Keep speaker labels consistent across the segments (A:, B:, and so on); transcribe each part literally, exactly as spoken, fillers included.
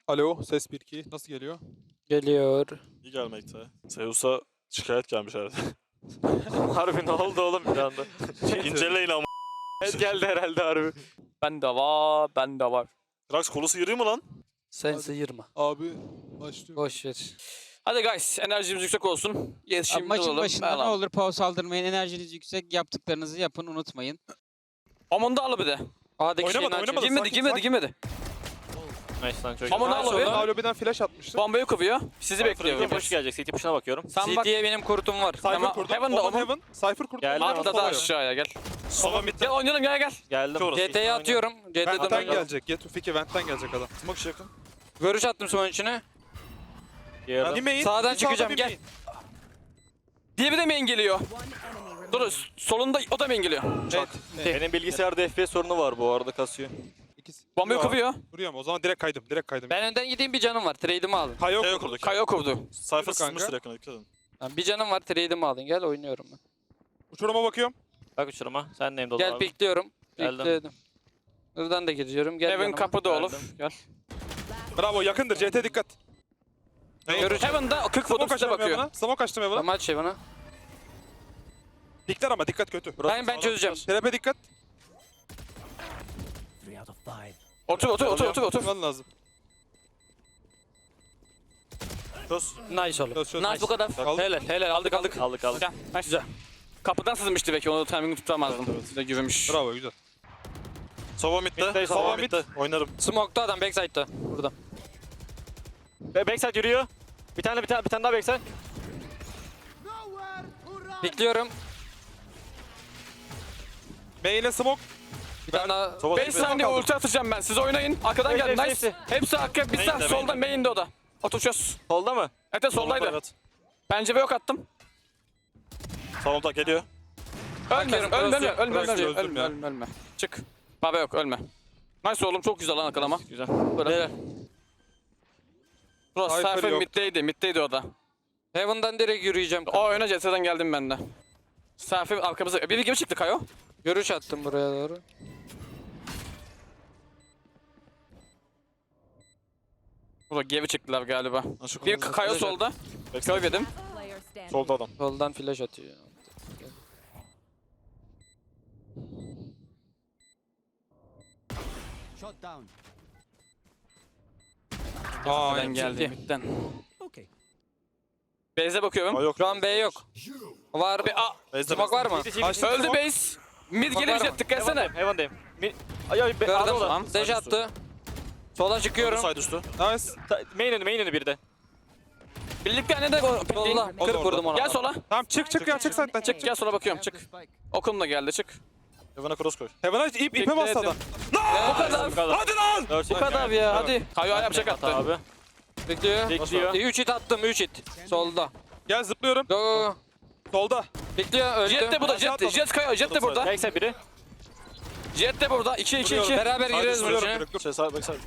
A: Alo, ses bir iki. Nasıl geliyor?
B: Geliyor.
C: İyi gelmekte. Zeus'a şikayet gelmiş herhalde. Harbi ne oldu oğlum bir anda? İnceleyin ama.
B: Evet geldi herhalde harbi. Ben de var, ben de var.
C: Drax kolusu yürüyor mu lan?
B: Sen
A: Hadi.
B: sıyırma.
A: Abi başlıyor.
B: Boş ver. Hadi guys, enerjimiz yüksek olsun.
D: Abi
B: Yetişimli
D: maçın
B: olalım.
D: başında ne
B: Falan.
D: olur pause aldırmayın. Enerjiniz yüksek. Yaptıklarınızı yapın. Unutmayın.
B: Aman da al bir de. A'daki
A: Oynamadı,
B: şeyini
A: oynamadı.
B: Girmedi,
A: Sakin,
B: girmedi,
A: sakin.
B: girmedi.
C: Nice lan çok
B: Aman
C: iyi.
B: al
A: Sonra
B: abi.
A: Daha lobiden flash atmıştı.
B: Bombayı kovuyor. Sizi bekliyor.
C: Bekliyor. Push gelecek. City push'una bakıyorum.
B: Sen bak.
D: C T'ye benim kurtum var.
A: Cypher
B: Tamam,
A: kurdum.
B: Heaven'da
A: Omen
B: Omen.
A: Heaven. Cypher kurdum.
C: Geldi
A: Omen
C: ama
B: Atla da
A: Sova yok.
B: aşağıya gel.
A: Sova midde.
B: Gel oynayalım gel gel.
C: Geldim.
A: Orası.
D: C T'ye atıyorum. C T'den
A: Vent'ten
D: ben
A: gelecek. Get to Fiki Vent'ten gelecek adam.
C: Smoke işi yakın.
D: Görüş attım son içine.
C: Yerden.
A: Bir main.
D: Sağdan
A: bir
D: çıkacağım,
A: bir
D: gel.
A: main.
B: Diye bir de main geliyor. Dur solunda o da main geliyor.
A: Evet.
C: Benim bilgisayarda F P S sorunu var bu arada kasıyor.
A: İkisi.
B: Bombayı
A: Vuruyor.
B: kovuyor.
A: Vuruyor mu? O zaman direkt kaydım. Direkt kaydım.
D: Ben önden gideyim, bir canım var. Trade'imi alın.
A: Kayo
C: Kayo
A: kurdu.
C: kurduk.
B: Kayo kovdu.
C: Cypher
A: kanka.
C: sızmıştır yakına dikkat edin.
D: Lan bir canım var. Trade'imi alın. Gel oynuyorum ben.
A: Uçuruma bakıyorum.
C: Bak uçuruma. Sen neyim dolu
D: Gel
C: abi.
D: bekliyorum.
C: Geldim.
D: Bekledim. Buradan da giriyorum. Gel
B: Heaven
D: yanıma.
B: kapıda olur.
C: Geldim.
B: Gel.
A: Bravo yakındır. C T dikkat.
B: Görüş. Heaven'da kırk
A: Smoke
B: foto üstüne
A: açtım
B: bakıyor.
A: Heaven'a. Smoke açtım Heaven'a.
D: Tamam aç şey bana.
A: Dikler ama dikkat kötü.
D: Ben ben çözeceğim.
A: Terepe dikkat.
B: Otur otur otur otur otur.
A: Tutman lazım.
C: Çöz.
D: Nice oğlum.
A: Çöz çöz.
B: Nice bu kadar.
A: Aldık.
B: Helal helal aldık aldık.
C: Aldık aldık.
B: Güzel. Nice. Güzel. Kapıdan sızmıştı belki onu timing'i tutamazdım. Size güvenmiş.
A: Bravo güzel.
C: Sova midde.
A: Midde,
C: Sova
A: Sova
C: midde. Oynarım.
D: Smoke'da adam backside'da. Burada.
C: Be backside yürüyor. Bir tane bir tane bir tane daha backside.
D: Bekliyorum.
A: Main'e smoke.
D: Bir tane daha.
C: Sova
B: beş saniye ulti atacağım ben. Siz oynayın. Arkadan
C: Hepsi,
B: gelin.
C: hepsi,
B: Nice. Hepsi arka. Bir sağ.
C: Main'de,
B: Solda
C: main'de.
B: main'de o da. Otur çöz.
C: Solda mı?
B: Evet evet, soldaydı.
C: Evet.
B: Pencere yok attım.
C: Solda geliyor.
B: Ölme,
D: Bakıyorum,
B: ölme, ölme,
D: burası-
B: ölme,
A: burası
B: ölme,
A: çözdüm
B: ölme,
A: ya.
B: ölme, ölme. Çık. Baba yok, ölme. Nice oğlum, çok güzel lan akalama.
C: Güzel.
B: Böyle. Burası
A: Cypher
B: Cypher
A: yok.
B: middeydi, middeydi o da.
D: Heaven'dan direkt yürüyeceğim.
B: O oyuna C S'den geldim ben de. Cypher arkamıza, biri gibi çıktı Kayo.
D: Görüş attım buraya doğru.
B: Burada geri çıktılar galiba.
C: Ha, şu
B: Bir
C: kırmızı-
B: Kayo solda. Kör yedim.
C: Solda adam.
D: Soldan flash atıyor.
A: Aa,
B: Ben
A: yani.
B: geldim midden. Base'e bakıyorum.
C: Aa, yok.
D: Şu an B yok. Var.
B: Bir A.
C: Base'de
D: Smoke var mı?
A: Açtım
B: Öldü
A: smoke.
B: base. Mid
D: Var
B: gelir
D: mı?
B: jet dikkat etsene.
C: Heaven'dayım. Mi... Ay ay be.
D: Gördüm.
C: Arada olan.
B: Tamam.
D: Dash attı. Sola çıkıyorum.
C: Side üstü.
A: Nice.
C: Ta- Main önü main önü bir de.
B: Birlikte hani de
D: Sola.
B: pikleyin.
A: O da
D: kırk vurdum ona.
B: Gel sola.
A: Tamam çık çık ya çık side'den çık.
B: Çık gel sola bakıyorum çık. Okum da geldi çık.
C: Heaven'a cross koy.
A: Heaven'a ip ipe
B: Bekledim.
A: bastı adam.
B: Bu kadar.
C: Bu kadar.
A: Hadi lan.
C: Dört
B: Bu kadar ya hadi. Kayo yapacak attı.
C: Abi.
D: Bekliyor.
C: Bekliyor.
D: üç hit attım, üç hit. Solda.
A: Gel zıplıyorum.
D: Go go go.
A: Solda.
D: Bekliyor, öldü.
B: Jet de burada
A: Aşağı
B: Jet de.
A: atladım.
B: Jet Kayo Jet de burada.
C: Backside biri.
B: Jet de burada. iki iki iki.
D: Beraber
A: Hadi
D: gireriz bunun
A: zıplıyorum
D: içine.
A: direkt, dur.
C: Şey side backside.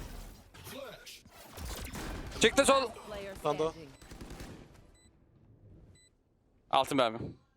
D: Çıktı sol.
C: Bir tane daha.
B: Altın mermi.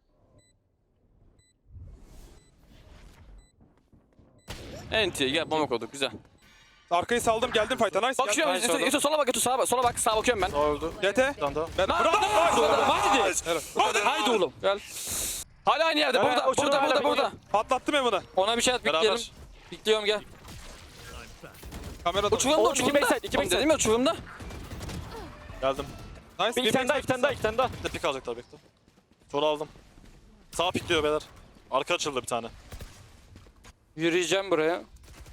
B: Enti gel bomba koyduk güzel.
A: Arkayı saldım geldim fight'a nice.
B: Bakıyorum
C: nice
B: Yusuf,
C: oldu.
B: Yusuf sola bak Yusuf sağa bak sola bak sağa bakıyorum ben.
C: Sağ öldü.
A: G T.
C: Bir tane daha.
A: Ben
B: Lan,
A: bravo.
B: lan,
A: Hadi. Hadi.
B: Haydi oğlum gel. Hala aynı yerde
C: Evet,
B: burada
C: uçurum
B: burada
C: hala
B: burada
C: bekliyor.
B: burada.
A: Patlattım Heaven'a.
D: Ona bir şey at, bekleyelim.
C: Beraber.
D: Bekliyorum, gel.
A: Kamerada.
B: Uçurumda
C: Oğlum, iki
B: uçurumda.
C: backside, iki
B: Oğlum
C: backside.
B: Dedim ya uçurumda.
C: Geldim.
A: Nice.
C: Bir iki tane daha, iki tane daha, iki tane daha. Bir de pik alacaklar bekle. Soru aldım. Sağ pikliyor beyler. Arka açıldı bir tane.
D: Yürüyeceğim buraya.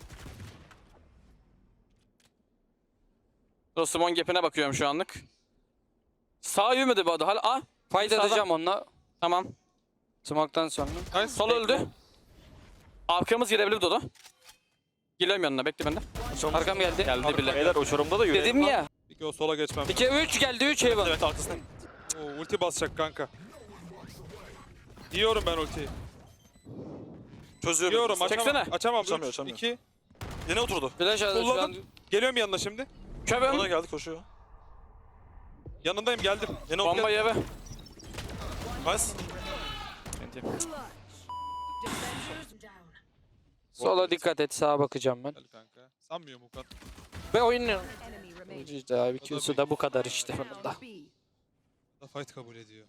B: Dostumon gap'ine bakıyorum şu anlık. Sağ yürümedi bu arada hala. Aa
D: Fight
B: Sağdan.
D: atacağım onunla.
B: tamam.
D: Smoke'tan sonra.
A: Nice.
B: Sol öldü. Arkamız girebilir Dodo. Geliyorum yanına bekle bende.
D: Arkam geldi.
B: Geldi bile.
C: Beyler uçurumda da yürüyelim.
D: Dedim ya.
A: İki o sola geçmem.
D: iki üç geldi, üç Heaven.
C: Evet arkasına.
A: Oo, ulti basacak kanka. Yiyorum ben ultiyi.
C: Çözüyorum.
A: Yiyorum açamam.
B: Çeksene.
A: Açamam.
C: Açamıyor,
A: üç,
C: açamıyor.
A: iki.
C: Yine oturdu.
D: Flash aldı şu an.
A: Kulladım. Geliyorum yanına şimdi.
C: Ona
B: Kövüm.
C: geldi koşuyor.
A: Yanındayım geldim.
C: Yine
B: Bomba
C: oturdu.
B: yeve.
C: Nice.
D: Sola dikkat et, sağa bakacağım ben.
A: Gel kanka. Sanmıyorum o kadar.
D: Ve oynuyorum.
E: İşte abi Q'su da bu kadar işte bunun da.
A: Da fight kabul ediyor.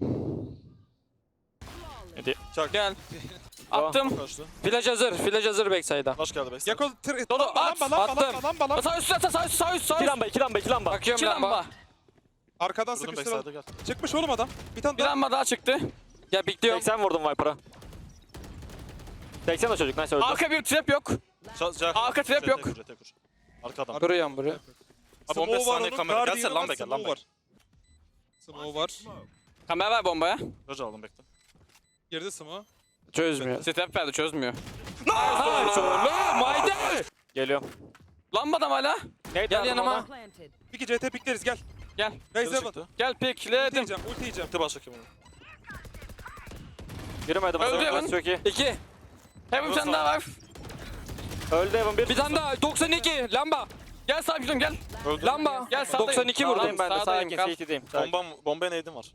C: Hadi. Çak.
B: Gel. Attım.
C: Kaçtı.
E: Flash hazır. Flash hazır backside'a.
C: Flash geldi backside.
A: Gekko tır...
B: Dodo,
A: Lamba,
B: at,
A: lamba, lamba,
E: attım.
A: lamba, lamba, lamba.
B: Sağ üst sağ üst sağ üst sağ üst.
C: İki lamba, iki lamba, iki lamba.
E: Bakıyorum
B: İki
E: lamba.
B: lamba.
A: Arkadan
C: Vurdum
A: sıkıştıralım.
C: backside'a gel.
A: Çıkmış oğlum adam. Bir tane
B: Bir
A: daha.
B: lamba daha çıktı.
E: Ya bekliyorum.
C: seksen vurdum Viper'a. seksen o çocuk, nice öldü.
B: Arka bir trap yok.
C: Ç- Jack.
B: Arka trap
C: Jet
B: yok.
C: kur, jet kur. Arka adam.
E: Duruyorum buraya.
C: Abi on beş
A: Smoke var
C: saniye
A: onun,
C: kamera.
A: Guardian'ı
C: Gelsene
A: var,
C: lamba gel,
A: smoke
C: lamba
A: var.
C: gel.
A: Smoke var.
B: Kamera ver bombaya.
C: Roger aldım bekle.
A: Girdi smoke.
E: Çözmüyor.
B: Step verdi çözmüyor.
C: Geliyorum.
B: Lambada hala.
C: Neydi
E: Gel yanıma.
A: Peki C T pikleriz gel.
B: Gel.
A: Raise
C: Geri
A: Evan.
C: çıktı.
B: Gel
A: Ulti
B: pikledim.
A: yiyeceğim, ulti yiyeceğim.
C: Gitti baştaki bunu. Girmedim.
B: Öldü
C: Öldü
B: Evan.
C: Çok iyi.
E: İki.
B: Hem bir tane daha var.
C: Öldü Evan bir.
E: Bir tane daha. doksan iki. Lamba.
B: Gel sağ gidiyorum gel.
C: Öldü.
E: Lamba.
B: Gel sağdayım.
E: doksan iki vurdum
B: Sağdayım,
E: ben de.
B: sağdayım,
E: Sakin.
B: kal.
E: C T'deyim.
C: Bombam, bombaya neydim var?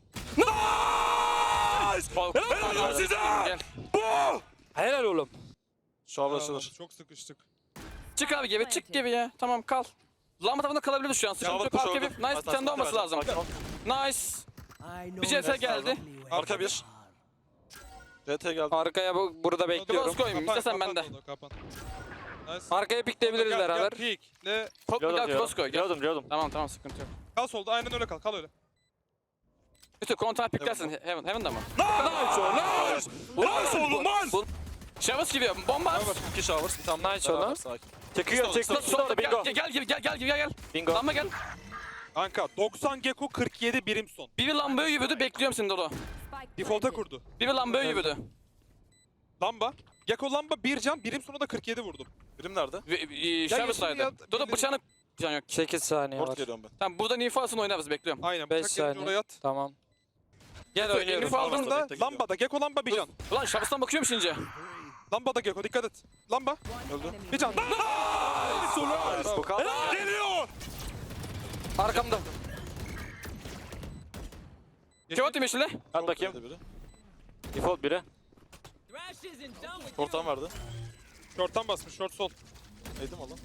B: Helal size. Gel.
E: Helal oğlum.
C: Şu an
A: Aa,
C: açılır.
A: Çok sıkıştık.
B: Çık abi gibi çık gibi ya. Tamam kal. Lamba tarafında kalabiliriz şu an. Sıkıntı yok. Arka bir. Nice bir tane de olması lazım. Nice. Bir C S geldi.
C: Arka bir. C T geldi.
E: Arkaya bu, burada bekliyorum.
B: Cross koyayım.
A: Kapan,
B: İstesen
A: kapan
B: bende.
A: Dodo, kapan. Nice.
E: Arkaya pikleyebiliriz
A: Gel,
E: beraber.
A: Gel, peek. Ne?
B: Top gel cross koy. Gel.
C: Geliyordum, geliyordum.
B: Tamam tamam sıkıntı yok.
A: Kal solda, aynen öyle kal, kal öyle.
B: Bütün kontra piklersin. Heaven. Heaven'da mı?
C: Nice! Nice oğlum nice!
B: Şavas gibi. Bomba at.
C: İki showers, bir tane
E: Nice oğlum.
C: beraber, sakin. Çekiyor, çekiyor.
B: Sol-
C: Orada bingo.
B: Gel gel gibi gel gel gibi gel gel.
C: Bingo.
B: Lamba gel.
A: Kanka doksan Gekko kırk yedi Brimstone.
B: Bir bir lambaya yürüdü. Bekliyorum seni Dodo.
A: Default'a kurdu.
B: Bir bir lambaya yürüdü.
A: Lamba. Gekko lamba bir can, Brimstone'a da kırk yedi vurdum.
C: Birim nerede?
B: Şavas'taydı.
A: ya,
B: Dodo
A: benim-
B: bıçağını can yok.
E: sekiz saniye
C: Port
E: var.
C: geliyorum ben.
B: Tamam buradan info alsın oynarız bekliyorum.
A: Aynen.
E: beş
A: Bıçak gelince
E: saniye.
A: oraya at.
E: Tamam. Gel
B: Info
E: oynuyorum.
B: info aldın da.
A: Aldığında
C: bekle,
A: lambada. Gekko lamba bir can.
B: Ulan Şavas'tan bakıyorum şimdi.
A: Lambada Gekko dikkat et. Lamba.
C: Öldü.
A: Bir can.
C: Bu kadar. Geliyor!
E: Arkamda.
B: Kim attı yeşile?
C: Hadi bakayım. Default biri. Portan vardı.
A: Short'tan basmış. Short sol.
C: Neydim oğlum?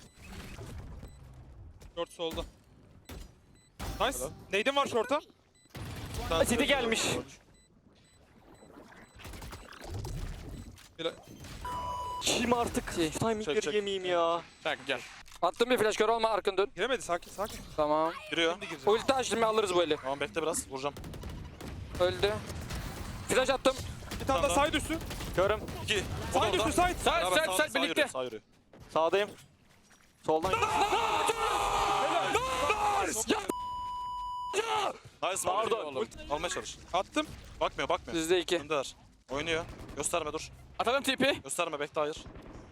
A: Short solda. Nice.
C: Helal.
A: Neydin var short'a?
C: City gelmiş.
A: Bile-
C: Kim artık? Şu timingleri
A: çek.
C: yemeyeyim ya.
B: Bak gel.
E: Attım bir flash kör olma arkın dön.
A: Giremedi, sakin sakin.
E: Tamam.
C: Giriyor.
A: Şimdi gireceğim.
E: Ulti açtım alırız bu eli.
C: Tamam bekle biraz. Vuracağım.
E: Öldü. Flash attım.
A: Bir tane daha side üstü.
C: Körüm. İki.
A: Side üstü side.
B: Sağ sağ sağ birlikte.
C: Yürüyor, sağ yürüyor. Sağdayım. Soldan. Nice pardon. Almaya çalış.
A: Attım.
C: Bakmıyor bakmıyor.
E: Sizde iki.
C: Öndeler. Oynuyor. Gösterme dur.
B: Atalım T P.
C: Gösterme bekle hayır.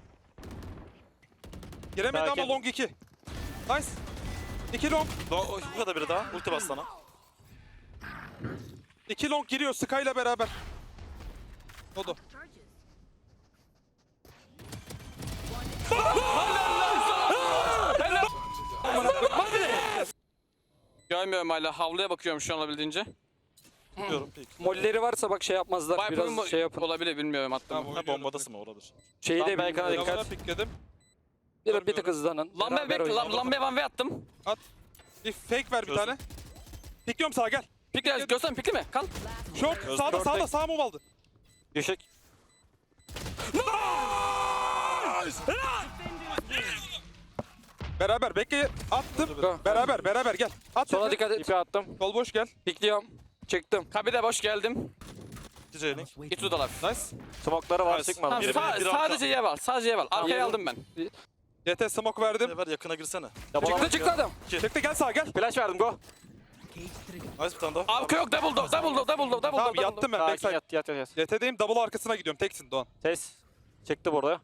A: Giremedi
C: Sakin.
A: ama long iki. Nice. iki long.
C: Do bu kadar biri daha. Ulti bas sana.
A: iki long giriyor Sky ile beraber. Dodo.
B: Görmüyorum hala. Havluya bakıyorum şu an olabildiğince.
C: Tutuyorum pik.
E: Molleri varsa bak şey yapmazlar.
B: Viper'ın
E: Biraz şey yapın.
B: olabilir bilmiyorum attım.
A: Tamam,
B: Tamam,
C: Ha
A: oynuyorum.
C: bombadasın mı oradır.
E: Şeyi de
C: Belki
E: bilmiyorum.
A: Lavana pikledim.
E: Bir, bir tık hızlanın.
B: Lambaya
E: Beraber
B: bekle.
E: oynayalım.
B: Lam, lambaya one way attım.
A: Bir fake ver bir
C: Çözdüm.
A: tane. Pikliyorum sağa gel.
B: Pikle göster pikli mi? Kal.
A: Short
C: Çözdüm.
A: sağda
C: Short
A: sağda
C: tek.
A: sağ move aldı.
C: Düşük.
A: Beraber bekle attım.
E: Go.
A: Beraber beraber gel. At.
E: Sola
A: Sola
E: dikkat et.
C: İpi attım.
A: Sol boş gel.
E: Pikliyorum. Çıktım.
B: Kabide boş geldim.
C: İki J-Link.
B: İtudalar.
A: Nice.
C: Smoke'ları var
A: Nice.
C: çıkmadı.
B: Tamam,
C: Biri-
B: sa-
C: biri- biri
B: sadece yev al. Sadece yev al. Arkaya
E: Tamam.
B: aldım ben.
A: C T smoke verdim.
C: Ne var yakına girsene.
E: Çıktı çıktı adam.
A: Çıktı gel sağa gel.
C: Flash verdim go. Nice bir tane daha.
B: Arka yok. Double door. Double door. Double door. Double
A: Tamam
B: door.
A: yattım ben
C: Sakin
A: backside.
C: yat yat yat. yat.
A: C T'deyim double arkasına gidiyorum teksin Doğan.
C: Ses. Çekti burada.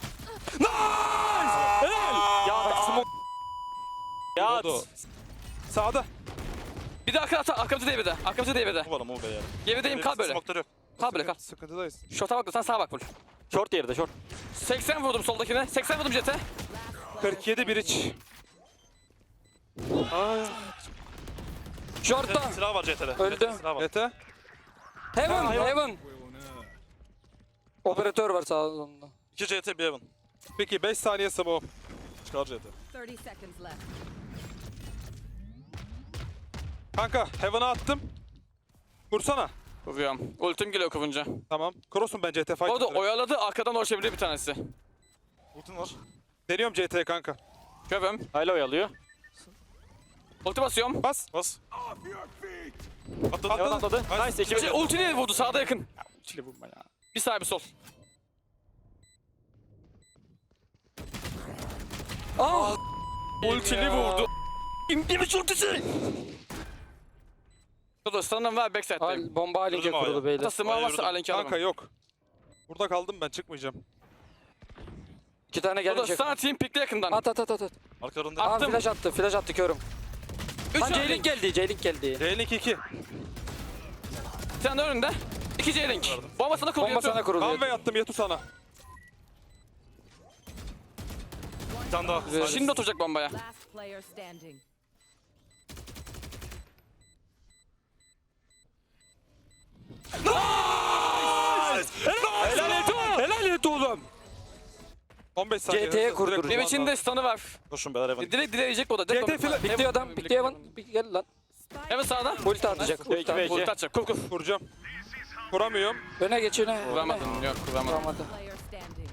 C: Ya smoke. Yat.
A: Dodo. Sağda.
B: Bir de arka ata. Arkamızı değil bir de. Arkamızı değil bir de.
C: Bu var mı bu be ya.
B: Gerideyim kal böyle.
C: Smoke'ları yok.
B: Kal böyle kal.
A: Sıkıntıdayız.
B: Şorta bak da sen sağa bak full.
C: Short yerde short.
B: seksen vurdum soldakine. seksen vurdum jete.
A: kırk yedi bir iç.
E: Short'ta.
C: Silah var C T'de.
E: Öldü.
C: Silah var.
A: C T.
E: Heaven.
C: hayvan.
E: Heaven. Operatör var sağında.
C: İki C T bir Evan.
A: Peki beş saniye smoke.
C: Çıkar C T.
F: thirty seconds left.
A: Kanka Heaven'a attım. Vursana.
B: Vuruyorum. Ultim geliyor kıvınca.
A: Tamam. Cross'um ben C T fight.
B: O da oyaladı arkadan ulaşabilir bir tanesi.
C: Ultin var.
A: Deniyorum C T'ye kanka.
B: Kövüm.
C: Hala oyalıyor.
B: Ulti basıyorum.
A: Bas.
C: Bas.
A: Atladı.
C: Heaven atladı. Nice. Ekibi
B: Şey, ultiyle vurdu sağda yakın.
D: Ultiyle vurma ya.
B: Bir sağ bir sol.
E: Ah!
B: Ultili vurdu. İmdi mi ultisi? Dur dur standım var backside'dayım.
E: Al, bomba halince
C: Vurdum
E: kurulu
C: abi.
E: beyler.
B: Hatta smoke
C: Hayır,
B: varsa
C: vurdum.
B: alenki
A: Kanka
B: alamam.
A: yok. Burada kaldım ben çıkmayacağım.
E: İki tane
B: Dur dur
E: gelecek.
B: sana team pickle yakından.
E: At at at at. at.
C: Arkalarında.
E: Aa
B: Attım.
E: flash attı, flash attı körüm.
B: Üç
E: Lan
B: J-Link.
E: J-Link geldi, J-Link geldi.
A: C-Link iki.
B: Sen de önünde. İki J-Link. Bomba sana kurulu
E: Bomba sana
B: yatıyor.
E: kuruluyor.
A: Runway attım Yetu sana.
C: Bir tane daha.
E: Güzel.
B: Şimdi oturacak bombaya.
F: Last player standing.
B: Helal et oğlum. Helal et oğlum.
A: on beş saniye.
E: C T'ye
A: Direkt
E: kurdur.
A: kurban
B: Benim için de
A: lazım.
B: stun'ı var.
C: Koşun beyler Heaven.
B: Direkt dileyecek o da. Direkt
A: C T
B: bomba.
A: fila-
E: Bitti adam, bitti Evan. Bir gel lan.
B: Hemen sağda.
E: Ulti atacak. Ulti
C: iki,
E: atacak.
B: Ulti atacak. Kur kur.
A: Vuracağım. Vuramıyorum.
E: Öne geç öne.
B: Vuramadın. Yok vuramadın.
E: Vuramadı.
F: Player standing.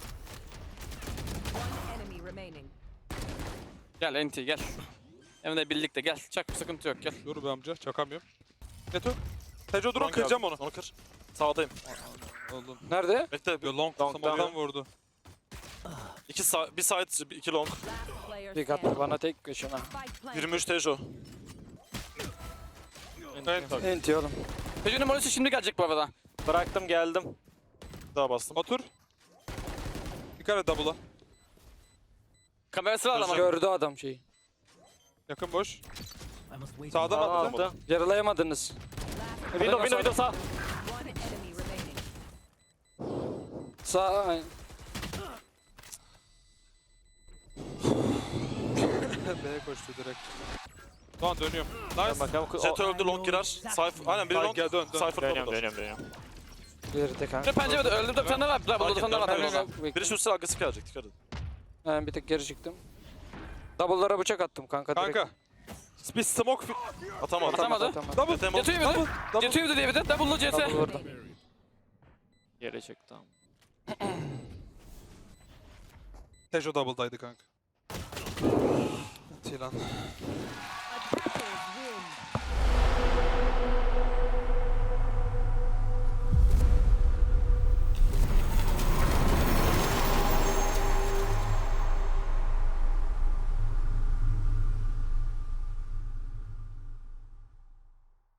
F: One enemy remaining.
B: Gel Enti gel. Hem de birlikte gel. Çak bir sıkıntı yok gel.
A: Dur be amca çakamıyorum. Yetu. Tejo durun
C: Drone
A: kıracağım
C: geldi.
A: onu.
C: Onu kır. Sağdayım.
A: Oğlum.
E: Nerede?
C: Bekle.
A: Yo, long
C: Long,
A: smoke'dan
C: long.
A: vurdu.
C: İki sağ, bir side, iki long.
F: Last player
E: Bir attı
F: standing.
E: bana tek köşene.
F: Spike planted.
C: yirmi üç Tejo.
A: Evet.
E: Enti oğlum.
B: Çocuğun numarası şimdi gelecek bu arada.
C: Bıraktım geldim. Bir daha bastım.
A: Otur. Dikkat et double'a.
B: Kamerası var ama.
E: Gördü adam şeyi.
A: Yakın boş. Sağdan
C: Aa,
A: attı.
C: attı.
E: Yaralayamadınız.
C: Window, window, window sağ.
F: One enemy remaining.
E: Sağ.
A: B'ye koştu direkt. Tamam dönüyorum.
C: Ben
A: Nice.
C: bakalım. Jet öldü, long girer. Cypher, aynen biri
A: Ay,
C: long.
A: gel, dön, dön.
C: Cypher
G: Dönüyorum,
C: double.
G: dönüyorum, dönüyorum.
E: Geride kanka.
B: Bir pencerede öldü de bir tane var. Burada
C: Fark
B: bir tane var.
C: etmiyorum.
B: haberin olsun.
E: Bekle.
C: Biri şutsa agresif gelecek, dikkat edin.
E: Ben bir tek geri çıktım. Double'lara bıçak attım kanka. direkt.
A: Kanka. Bir smoke fi-
C: Atamadı.
B: Atamadı.
E: Atamadı.
A: double.
C: Jet
B: Yatıyor bir de.
A: Double.
B: Yatıyor bir de diye bir de. Double'lı C T.
E: Double vurdum.
G: Yere çıktı.
A: Tejo double'daydı kanka. Tilan.